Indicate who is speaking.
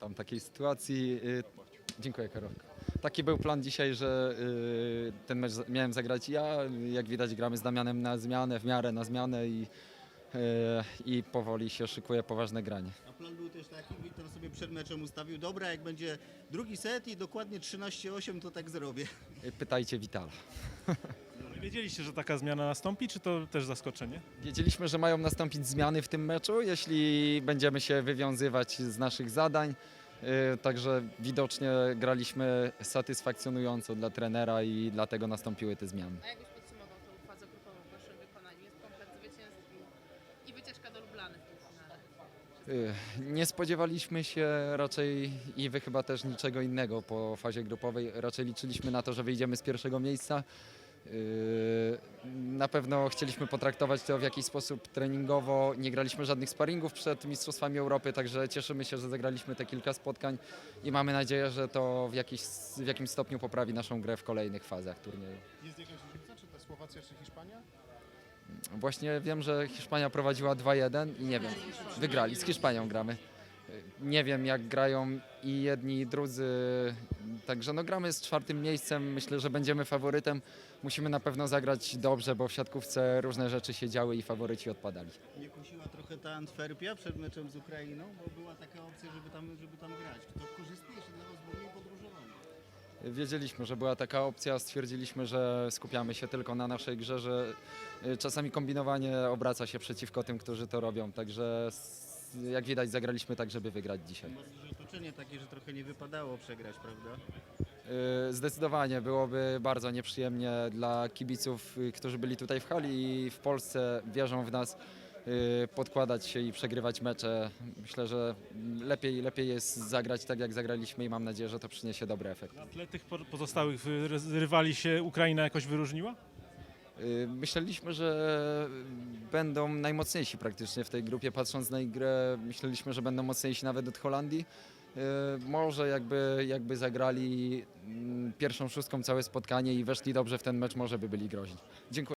Speaker 1: pamiętam takiej sytuacji. Dziękuję, Karol. Taki był plan dzisiaj, że ten mecz miałem zagrać ja. Jak widać, gramy z Damianem na zmianę, w miarę na zmianę i powoli się szykuje poważne granie.
Speaker 2: A plan był też taki, Wiktor sobie przed meczem ustawił, dobra, jak będzie drugi set i dokładnie 13-8, to tak zrobię.
Speaker 1: Pytajcie Witala.
Speaker 3: Wiedzieliście, że taka zmiana nastąpi, czy to też zaskoczenie?
Speaker 1: Wiedzieliśmy, że mają nastąpić zmiany w tym meczu, jeśli będziemy się wywiązywać z naszych zadań. Także widocznie graliśmy satysfakcjonująco dla trenera i dlatego nastąpiły te zmiany.
Speaker 4: A jakbyś podsumował tą fazę grupową w waszym wykonaniu? Jest komplet zwycięstw i wycieczka do Lublany w półfinale.
Speaker 1: Nie spodziewaliśmy się raczej i wy chyba też niczego innego po fazie grupowej. Raczej liczyliśmy na to, że wyjdziemy z pierwszego miejsca. Na pewno chcieliśmy potraktować to w jakiś sposób treningowo. Nie graliśmy żadnych sparingów przed Mistrzostwami Europy, także cieszymy się, że zagraliśmy te kilka spotkań i mamy nadzieję, że to w jakimś stopniu poprawi naszą grę w kolejnych fazach turnieju.
Speaker 5: Jest jakaś różnica, czy to Słowacja, czy Hiszpania?
Speaker 1: Właśnie wiem, że Hiszpania prowadziła 2-1 i nie wiem, wygrali, z Hiszpanią gramy. Nie wiem, jak grają i jedni i drudzy, także no gramy z czwartym miejscem, myślę, że będziemy faworytem. Musimy na pewno zagrać dobrze, bo w siatkówce różne rzeczy się działy i faworyci odpadali.
Speaker 2: Nie kusiła trochę ta Antwerpia przed meczem z Ukrainą, bo była taka opcja, żeby tam grać. Czy to korzystniejsze dla was było mniej podróżowanie?
Speaker 1: Wiedzieliśmy, że była taka opcja, stwierdziliśmy, że skupiamy się tylko na naszej grze, że czasami kombinowanie obraca się przeciwko tym, którzy to robią, także jak widać zagraliśmy tak, żeby wygrać dzisiaj.
Speaker 2: Może, że otoczenie takie, że trochę nie wypadało przegrać, prawda?
Speaker 1: Zdecydowanie byłoby bardzo nieprzyjemnie dla kibiców, którzy byli tutaj w hali i w Polsce, wierzą w nas, podkładać się i przegrywać mecze. Myślę, że lepiej jest zagrać tak, jak zagraliśmy i mam nadzieję, że to przyniesie dobry efekt.
Speaker 3: Na tle tych pozostałych rywali się Ukraina jakoś wyróżniła?
Speaker 1: Myśleliśmy, że będą najmocniejsi praktycznie w tej grupie, patrząc na ich grę, myśleliśmy, że będą mocniejsi nawet od Holandii. Może jakby zagrali pierwszą szóstką całe spotkanie i weszli dobrze w ten mecz, może by byli groźni. Dziękuję.